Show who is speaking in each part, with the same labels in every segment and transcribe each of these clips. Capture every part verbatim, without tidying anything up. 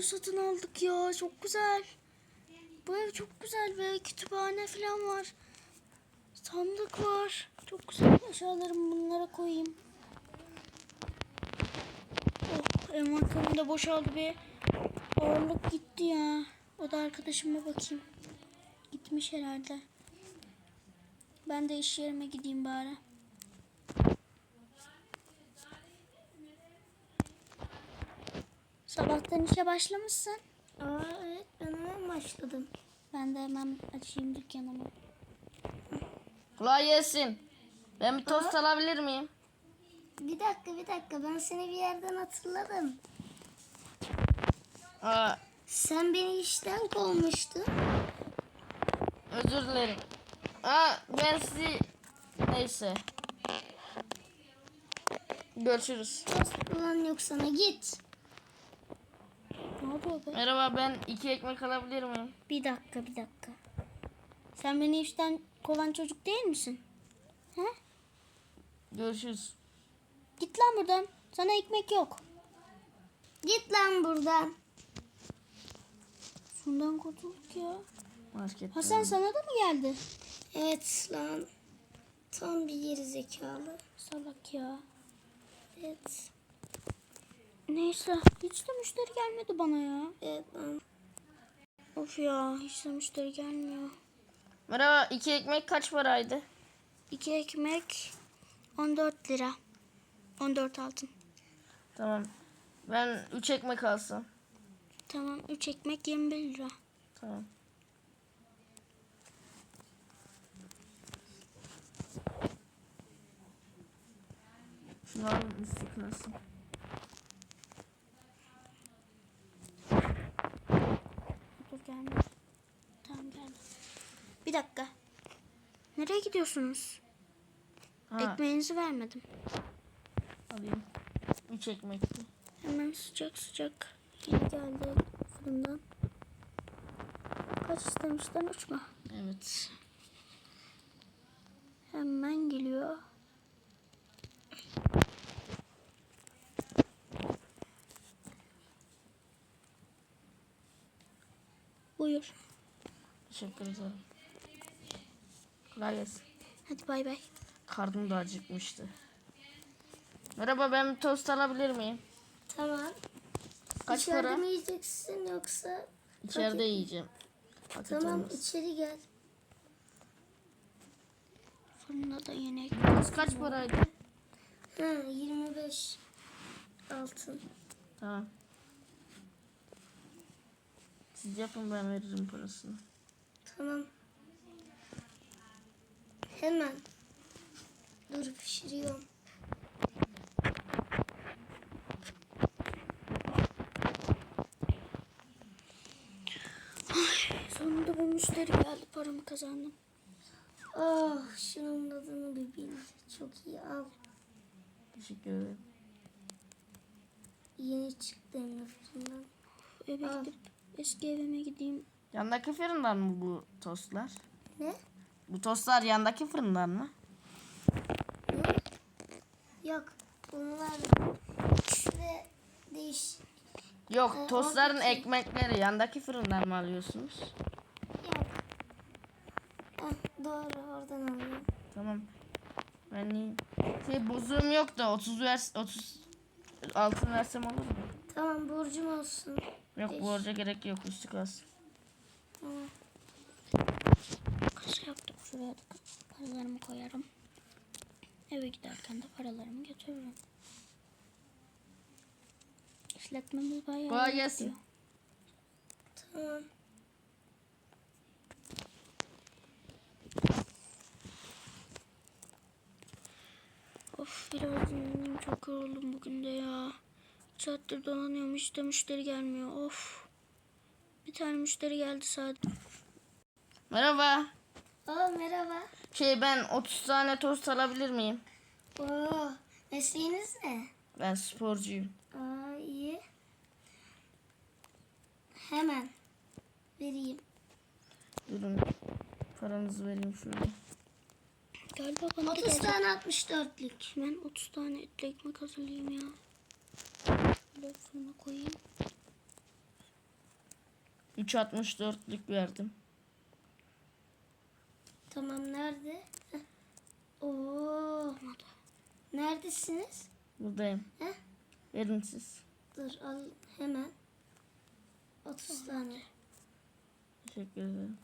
Speaker 1: ev satın aldık ya. Çok güzel. Bu ev çok güzel ve kütüphane falan var. Sandık var. Çok güzel. Eşyalarımı bunlara koyayım. Oh, envanterim de boşaldı bir. Ağırlık gitti ya. O da arkadaşıma bakayım. Gitmiş herhalde. Ben de iş yerime gideyim bari. Sabahtan işe başlamışsın.
Speaker 2: Aa evet, ben hemen başladım.
Speaker 1: Ben de hemen açayım dükkanımı.
Speaker 3: Kolay gelsin. Ben bir tost
Speaker 2: Aa.
Speaker 3: alabilir miyim?
Speaker 2: Bir dakika bir dakika, ben seni bir yerden hatırladım.
Speaker 3: Aa,
Speaker 2: Sen beni işten kovmuştun.
Speaker 3: özür dilerim. Aa, ben sizi... Neyse. Görüşürüz.
Speaker 2: Tost falan yok sana, git.
Speaker 1: Ne oluyor be?
Speaker 3: Merhaba, ben iki ekmek alabilir miyim?
Speaker 1: Bir dakika bir dakika. Sen beni işten kovan çocuk değil misin? He?
Speaker 3: Görüşürüz.
Speaker 1: Git lan buradan. Sana ekmek yok.
Speaker 2: Git lan buradan.
Speaker 1: Şundan kurtulduk ya.
Speaker 3: Markette.
Speaker 1: Hasan sana da mı geldi?
Speaker 2: Evet lan. Tam bir geri zekalı.
Speaker 1: Salak ya.
Speaker 2: Evet.
Speaker 1: Neyse. Hiç de müşteri gelmedi bana ya.
Speaker 2: Evet lan.
Speaker 1: Of ya. Hiç de müşteri gelmiyor.
Speaker 3: Merhaba, iki ekmek kaç paraydı?
Speaker 1: İki ekmek on dört lira. on dört altın.
Speaker 3: Tamam. Ben üç ekmek alsam.
Speaker 1: Tamam. Üç ekmek yirmi bir lira.
Speaker 3: Tamam. Şunu al, üstü kırılsın.
Speaker 1: Dur gelme. Tamam geldi. Bir dakika. Nereye gidiyorsunuz?
Speaker 3: Ha,
Speaker 1: Ekmeğinizi vermedim.
Speaker 3: alayım. Üç ekmekti.
Speaker 1: Hemen sıcak sıcak. Yeni geldi fırından. Kaç istemişten? Üç mü?
Speaker 3: Evet.
Speaker 1: Hemen geliyor. Buyur.
Speaker 3: Teşekkür ederim. Kolay gelsin.
Speaker 1: Hadi bay bay.
Speaker 3: Karnım da acıkmıştı. Merhaba, ben bir tost alabilir miyim?
Speaker 2: Tamam.
Speaker 3: Kaç
Speaker 2: İçeride
Speaker 3: para?
Speaker 2: mi yiyeceksin yoksa?
Speaker 3: İçeride
Speaker 2: Paket-
Speaker 3: yiyeceğim. Paket
Speaker 2: Tamam,
Speaker 3: olmaz.
Speaker 2: içeri gel.
Speaker 1: Fırında da yine
Speaker 3: Tost kaç paraydı?
Speaker 2: Ha, yirmi beş altın.
Speaker 3: Tamam. Siz yapın, ben veririm parasını.
Speaker 2: Tamam. Hemen. Dur, pişiriyorum.
Speaker 1: sonunda bu müşteri geldi. Paramı kazandım.
Speaker 2: Ah, şunun adını bir bil. Çok iyi, al.
Speaker 3: Teşekkür ederim.
Speaker 2: Yeni çıktı Emre fırından.
Speaker 1: Eve
Speaker 2: Al.
Speaker 1: gidip eski evime gideyim.
Speaker 3: Yandaki fırından mı bu tostlar?
Speaker 2: Ne?
Speaker 3: Bu tostlar yandaki fırından mı?
Speaker 2: Ne? Yok. Bunlar ve değiş.
Speaker 3: Yok,
Speaker 2: Ee,
Speaker 3: tostların
Speaker 2: oradaki-
Speaker 3: ekmekleri yandaki fırından mı alıyorsunuz?
Speaker 2: Yok. Ah, doğru, oradan alıyorum.
Speaker 3: Tamam. Ben iyi. Şey, bozuğum yok da otuz vers otuz altın versem olur mu?
Speaker 2: Tamam, borcum olsun.
Speaker 3: Yok,
Speaker 2: Beş.
Speaker 3: borca gerek yok, üstü kalsın.
Speaker 2: Tamam.
Speaker 1: Kasa yaptık. Şuraya da paralarımı koyarım. Eve giderken de paralarımı götürürüm. İşletmemiz bayağı
Speaker 3: Kolay
Speaker 1: iyi
Speaker 3: gelsin.
Speaker 1: gidiyor.
Speaker 2: Tamam.
Speaker 1: Of biraz dinleneyim, çok yoruldum bugün de ya. üç saattir dolanıyorum, hiç de müşteri gelmiyor. Of. Bir tane müşteri geldi sadece.
Speaker 3: Merhaba.
Speaker 2: Aa, merhaba.
Speaker 3: Şey, ben otuz tane tost alabilir miyim?
Speaker 2: Oo, mesleğiniz ne?
Speaker 3: Ben sporcuyum.
Speaker 2: Aa, iyi. Hemen vereyim.
Speaker 3: Durun. Paranızı vereyim şurada.
Speaker 1: Galiba bana da
Speaker 2: otuz
Speaker 1: gelecek.
Speaker 2: tane altmış dörtlük.
Speaker 1: Ben otuz tane etli ekmek hazırlayayım ya. Böyle fırına koyayım.
Speaker 3: üç altmış dörtlük verdim.
Speaker 2: Tamam, nerede? Heh. Oo. Neredesiniz?
Speaker 3: Buradayım.
Speaker 2: Heh.
Speaker 3: Verin siz.
Speaker 2: Dur al hemen. otuz tane.
Speaker 3: Teşekkür ederim.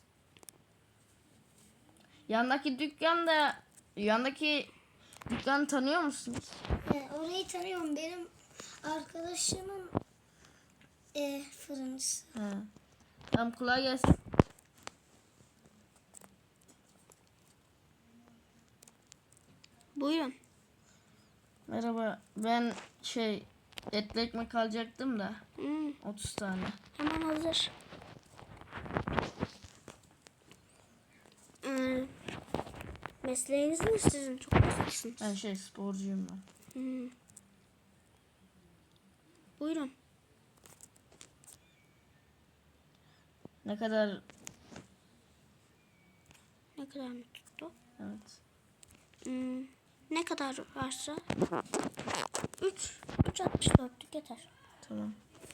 Speaker 3: Yandaki dükkanda yandaki dükkanı tanıyor musunuz?
Speaker 2: He, orayı tanıyorum. Benim arkadaşımın e, fırıncısı.
Speaker 3: He. Tamam, kolay gelsin.
Speaker 1: Buyurun.
Speaker 3: Merhaba. Ben şey etli ekmek alacaktım da
Speaker 1: Hmm,
Speaker 3: otuz tane.
Speaker 1: hemen hazır. Ee, mesleğiniz ne sizin? Çok haklısınız.
Speaker 3: Ben şey sporcuyum ben.
Speaker 1: Hmm. Buyurun.
Speaker 3: Ne kadar
Speaker 1: Ne kadar mı tuttu?
Speaker 3: evet.
Speaker 1: Hmm, ne kadar varsa? üç. üç altmış dörtlük yeter.
Speaker 3: Tamam.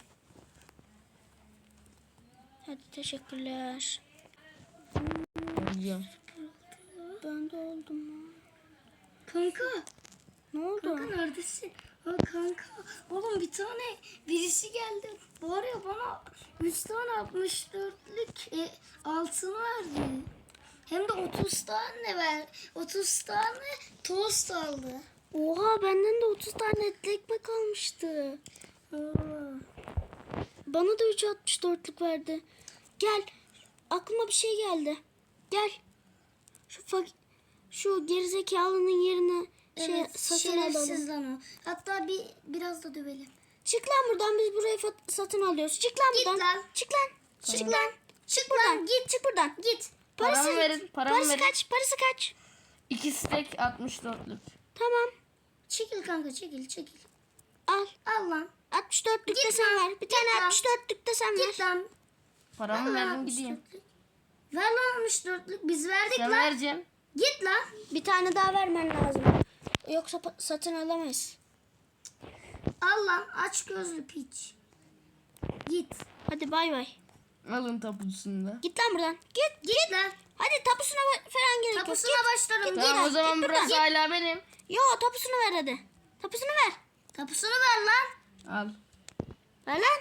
Speaker 1: Hadi teşekkürler.
Speaker 3: Ben gidiyorum.
Speaker 1: Ben de oldum.
Speaker 2: Kanka.
Speaker 1: Ne oldu?
Speaker 2: Kanka neredesin? Ha kanka. Oğlum bir tane birisi geldi. Var ya bana üç tane altmış dörtlük e, altın verdi. Hem de otuz tane ver. otuz tane tost aldı.
Speaker 1: Oha, benden de otuz tane etli ekmek almıştı.
Speaker 2: Oo.
Speaker 1: Bana da üç altmış dörtlük verdi. Gel. Aklıma bir şey geldi. Gel. Şu fak şu gerizekalının yerine şey
Speaker 2: Evet,
Speaker 1: satın
Speaker 2: şerefsiz
Speaker 1: alalım.
Speaker 2: lan o. Hatta bir biraz da dövelim.
Speaker 1: Çık lan buradan, biz burayı fat- satın alıyoruz. Çık lan
Speaker 2: Git
Speaker 1: buradan.
Speaker 2: lan.
Speaker 1: Çık lan. Çık
Speaker 2: Çık
Speaker 1: lan.
Speaker 2: Çık
Speaker 1: Buradan.
Speaker 2: lan.
Speaker 1: Git. Çık buradan.
Speaker 2: Git.
Speaker 3: Paramı verin, paramı
Speaker 1: parası
Speaker 3: verin.
Speaker 1: kaç? Parası kaç?
Speaker 3: İki stek altmış dörtlük.
Speaker 1: Tamam.
Speaker 2: Çekil kanka, çekil çekil.
Speaker 1: Al.
Speaker 2: Al lan.
Speaker 1: altmış dörtlük de
Speaker 2: Git
Speaker 1: sen
Speaker 2: lan.
Speaker 1: ver. Bir tane
Speaker 2: lan.
Speaker 1: altmış dörtlük de sen ver.
Speaker 2: Git lan.
Speaker 3: Paramı
Speaker 2: Ver lan
Speaker 3: verin
Speaker 2: altmış
Speaker 3: gideyim.
Speaker 2: dörtlük. Ver lan altmış dörtlük. Biz verdik
Speaker 3: Sen
Speaker 2: lan.
Speaker 3: vereceğim.
Speaker 2: Git lan.
Speaker 1: Bir tane daha vermen lazım. Yoksa pa- satın alamayız.
Speaker 2: Al lan. Aç gözlü piç. Git.
Speaker 1: Hadi bay bay.
Speaker 3: Alın tapusunu da.
Speaker 1: Git lan buradan. Git.
Speaker 2: Git lan.
Speaker 1: Hadi tapusuna ba- falan gerek yok.
Speaker 2: Tapusuna
Speaker 1: Git.
Speaker 2: başlarım.
Speaker 1: Git.
Speaker 2: Git.
Speaker 3: Tamam, o
Speaker 1: Git
Speaker 3: zaman
Speaker 1: buradan.
Speaker 3: burası
Speaker 1: Git.
Speaker 3: hala benim.
Speaker 1: Yo, tapusunu ver hadi. Tapusunu ver.
Speaker 2: Tapusunu ver lan.
Speaker 3: Al.
Speaker 1: Ver lan.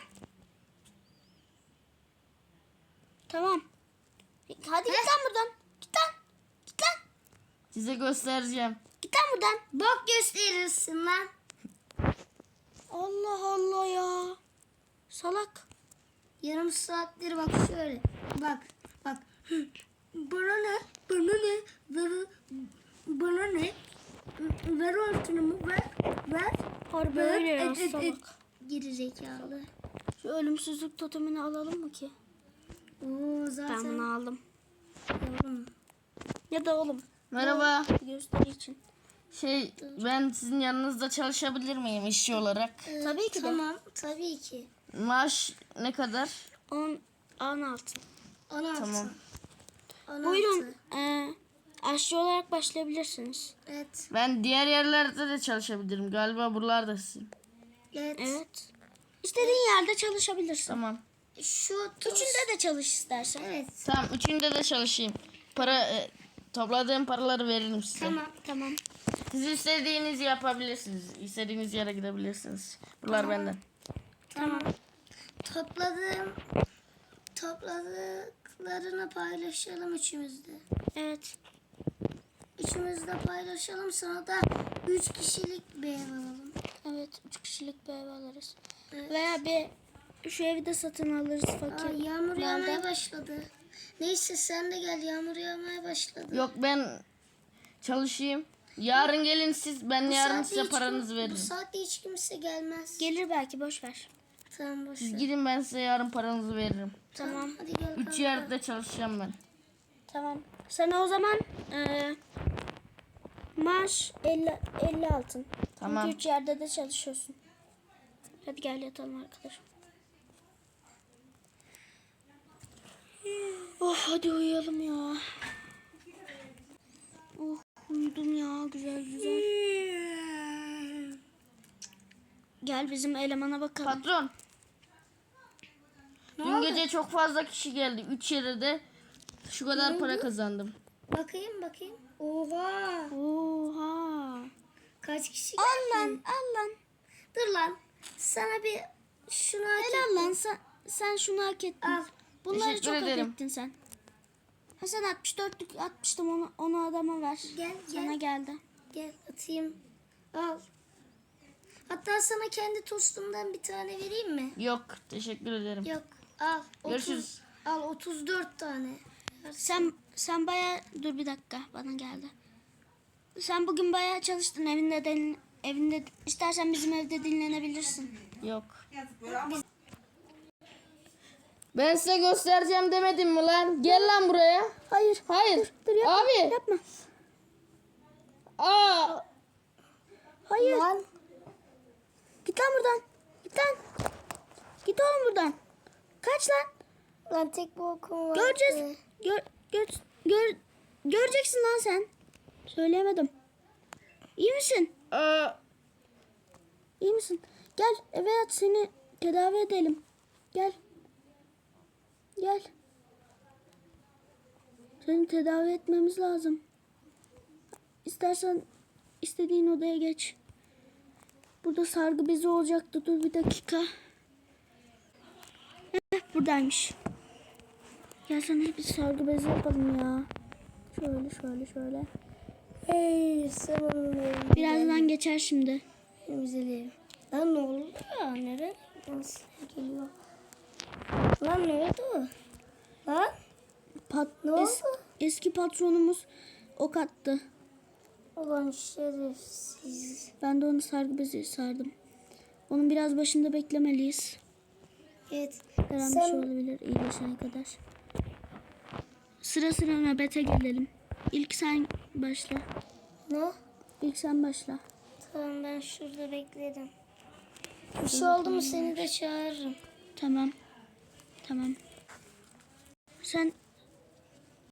Speaker 1: Tamam. Hadi git lan buradan. Git lan. Git lan.
Speaker 3: Size göstereceğim.
Speaker 1: Git lan buradan.
Speaker 2: Bok gösterirsin lan.
Speaker 1: Allah Allah ya. Salak.
Speaker 2: Yarım saattir bak şöyle. Bak. Bak. Hı. Bana ne? Bana ne? Ver, bana ne? Ver altınımı ver. Ver.
Speaker 1: Harbi
Speaker 2: Ver.
Speaker 1: öyle ya,
Speaker 2: Et, et, et.
Speaker 1: salak.
Speaker 2: Geri zekalı.
Speaker 1: Şu ölümsüzlük totemini alalım mı ki?
Speaker 2: Oo zaten.
Speaker 1: Ben bunu aldım.
Speaker 2: Yavrum.
Speaker 1: Ya da oğlum.
Speaker 3: Merhaba.
Speaker 1: Gösteri için.
Speaker 3: Şey, ben sizin yanınızda çalışabilir miyim işçi olarak?
Speaker 2: Ee,
Speaker 1: Tabii ki de.
Speaker 2: Tamam. Tabii ki.
Speaker 3: Maaş ne kadar?
Speaker 1: on, on altı.
Speaker 2: on altı.
Speaker 3: Tamam.
Speaker 2: on altı.
Speaker 1: Buyurun. E, aşçı olarak başlayabilirsiniz.
Speaker 2: Evet.
Speaker 3: Ben diğer yerlerde de çalışabilirim. Galiba buralarda sizin.
Speaker 2: Evet.
Speaker 1: Evet. İstediğin yerde çalışabilirsin.
Speaker 3: Tamam.
Speaker 2: Şu tost.
Speaker 1: Üçünde de çalış istersen.
Speaker 2: Evet.
Speaker 3: Tamam, üçünde de çalışayım. Para e, topladığım paraları veririm size.
Speaker 2: Tamam.
Speaker 1: Tamam.
Speaker 3: Siz istediğinizi yapabilirsiniz. İstediğiniz yere gidebilirsiniz. Bunlar benden.
Speaker 2: Tamam. Topladığım topladıklarını paylaşalım üçümüzde.
Speaker 1: Evet.
Speaker 2: Üçümüz de paylaşalım. Sana da üç kişilik bir ev alalım.
Speaker 1: Evet. Üç kişilik bir ev alırız.
Speaker 2: Evet.
Speaker 1: Veya bir şu evi de satın alırız
Speaker 2: Aa,
Speaker 1: fakir.
Speaker 2: yağmur yağmaya
Speaker 1: Malda.
Speaker 2: başladı. Neyse sen de gel, yağmur yağmaya başladı.
Speaker 3: Yok, ben çalışayım. Yarın gelin siz. Ben
Speaker 2: Bu
Speaker 3: yarın
Speaker 2: saatte
Speaker 3: size
Speaker 2: hiç
Speaker 3: paranızı
Speaker 2: kim-
Speaker 3: veririm.
Speaker 2: Bu saatte hiç kimse gelmez.
Speaker 1: Gelir belki, boş ver.
Speaker 2: Tamam boş
Speaker 3: Siz
Speaker 2: ver.
Speaker 3: gidin, ben size yarın paranızı veririm.
Speaker 1: Tamam.
Speaker 2: Hadi gel
Speaker 3: Üç
Speaker 2: kanka.
Speaker 3: yerde çalışacağım ben.
Speaker 1: Tamam. Sana o zaman e, maaş elli, elli altın.
Speaker 3: Tamam.
Speaker 1: Çünkü üç yerde de çalışıyorsun. Hadi gel yatalım arkadaşım. Oh, hadi uyuyalım ya. Oh, uyudum ya, güzel güzel. Gel bizim elemana bakalım.
Speaker 3: Patron.
Speaker 2: Ne
Speaker 3: Dün
Speaker 2: oldu
Speaker 3: gece çok fazla kişi geldi. üç yere de şu kadar para kazandım.
Speaker 2: Bakayım bakayım. Oha.
Speaker 1: Oha.
Speaker 2: Kaç kişi
Speaker 1: Al lan
Speaker 2: geldi?
Speaker 1: al lan.
Speaker 2: Dur lan. Sana bir şunu hak
Speaker 1: Helal lan
Speaker 2: ettim.
Speaker 1: sen, sen şunu hak ettin.
Speaker 2: Al.
Speaker 1: Bunları
Speaker 3: Teşekkür
Speaker 1: çok
Speaker 3: ederim.
Speaker 1: hak ettin sen. Ha sen altmış dörtlük atmıştım onu, onu adama ver.
Speaker 2: Gel,
Speaker 1: Sana
Speaker 2: gel.
Speaker 1: geldi.
Speaker 2: Gel atayım. Al. Hatta sana kendi tostumdan bir tane vereyim mi?
Speaker 3: Yok teşekkür ederim.
Speaker 2: Yok. Al. otuz,
Speaker 3: Görüşürüz.
Speaker 2: Al otuz dört tane.
Speaker 1: Sen sen baya dur bir dakika bana geldi. Sen bugün baya çalıştın evinde din, evinde istersen bizim evde dinlenebilirsin.
Speaker 3: Yok. Ben size göstereceğim demedim mi lan? Gel lan buraya.
Speaker 1: Hayır.
Speaker 3: Hayır.
Speaker 1: Dur yapma.
Speaker 3: Abi.
Speaker 1: Yapma.
Speaker 3: Aa.
Speaker 1: Hayır.
Speaker 2: Lan.
Speaker 1: Git lan buradan. Git lan. Git oğlum buradan. Kaç lan.
Speaker 2: Lan tek bu okum vardı.
Speaker 1: Göreceğiz. Gör, gör, gör, göreceksin lan sen. Söyleyemedim. İyi misin?
Speaker 3: Aa.
Speaker 1: İyi misin? Gel eve yat seni tedavi edelim. Gel. Gel. Seni tedavi etmemiz lazım. İstersen istediğin odaya geç. Burada sargı bezi olacaktı. Dur bir dakika. Heh, buradaymış. Ya sana bir sargı bezi yapalım ya. Şöyle şöyle şöyle.
Speaker 2: Hey sen
Speaker 1: Birazdan geçer şimdi.
Speaker 2: temizleyelim. Lan ne oldu ya? Nereye? Nasıl geliyor? Lan ne oldu? Lan
Speaker 1: Pat,
Speaker 2: ne
Speaker 1: es-
Speaker 2: oldu?
Speaker 1: eski patronumuz ok attı.
Speaker 2: Ulan şerefsiz.
Speaker 1: Ben de onu sargı bezi sardım. Onun biraz başında beklemeliyiz.
Speaker 2: Evet.
Speaker 1: Her an bir
Speaker 2: Sen
Speaker 1: şey olabilir iyileşene kadar. Sıra sıra nöbete gelelim. İlk sen başla.
Speaker 2: ne?
Speaker 1: İlk sen başla.
Speaker 2: Tamam ben şurada beklerim. Bir şey oldu mu seni de çağırırım.
Speaker 1: Tamam. Tamam. Sen